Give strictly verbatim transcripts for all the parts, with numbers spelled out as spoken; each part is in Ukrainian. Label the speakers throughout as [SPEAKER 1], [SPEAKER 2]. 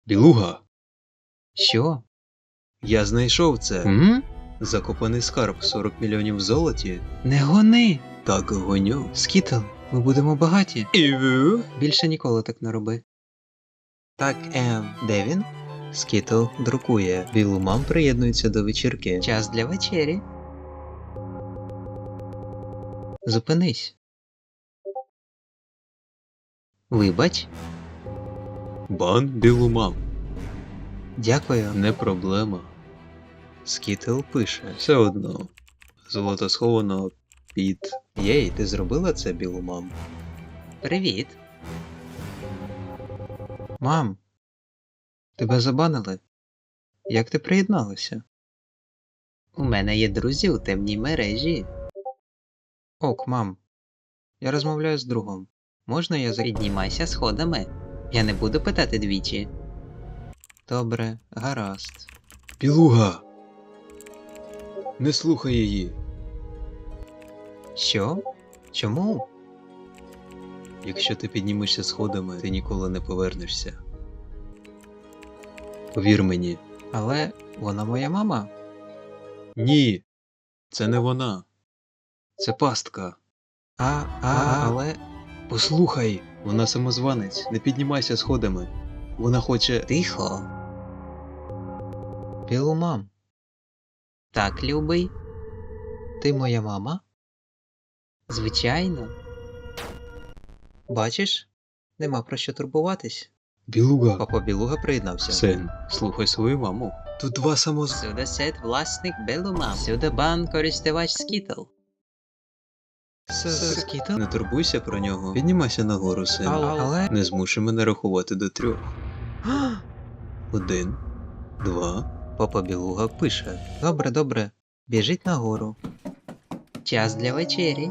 [SPEAKER 1] Білуга,
[SPEAKER 2] Що?
[SPEAKER 1] я знайшов це.
[SPEAKER 2] М?
[SPEAKER 1] Закопаний скарб сорок мільйонів в золоті.
[SPEAKER 2] Не гони!
[SPEAKER 1] Так гоню.
[SPEAKER 2] Скітл, ми будемо багаті.
[SPEAKER 1] Іву?
[SPEAKER 2] Більше ніколи так не роби.
[SPEAKER 1] Так, ем, де він? Скітл друкує. Білу мам приєднується до вечірки.
[SPEAKER 2] Час для вечері. Зупинись. Вибач.
[SPEAKER 1] Бан білу мам.
[SPEAKER 2] Дякую.
[SPEAKER 1] Не проблема. Скітл пише. Все одно. Золото сховано під. Єй, ти зробила це, білу мам?
[SPEAKER 2] Привіт. Мам, тебе забанили? Як ти приєдналася? У мене є друзі у темній мережі. Ок, мам. Я розмовляю з другом. Можна я за... Піднімайся сходами. Я не буду питати двічі. Добре, гаразд.
[SPEAKER 1] Білуга! Не слухай її.
[SPEAKER 2] Що? Чому?
[SPEAKER 1] Якщо ти піднімешся сходами, ти ніколи не повернешся. Повір мені.
[SPEAKER 2] Але вона моя мама.
[SPEAKER 1] Ні, це не вона. Це пастка.
[SPEAKER 2] А, а, але...
[SPEAKER 1] Послухай, вона самозванець, не піднімайся сходами. Вона хоче.
[SPEAKER 2] Тихо. Білу мам. Так, любий. Ти моя мама? Звичайно. Бачиш? Нема про що турбуватись.
[SPEAKER 1] Білуга.
[SPEAKER 2] Папа Білуга приєднався.
[SPEAKER 1] Син, слухай свою маму. Тут два самоз...
[SPEAKER 2] Сюди сет власник Белумам. Сюди бан користувач Скітл. Скітл?
[SPEAKER 1] Не турбуйся про нього. Піднімайся нагору, син.
[SPEAKER 2] Але...
[SPEAKER 1] Не змушуй мене рахувати до трьох. Один, два.
[SPEAKER 2] Папа Білуга пише. Добре, добре. Біжить нагору. Час для вечері.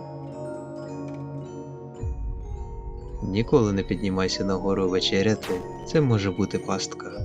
[SPEAKER 1] Ніколи не піднімайся нагору вечеряти. Це може бути пастка.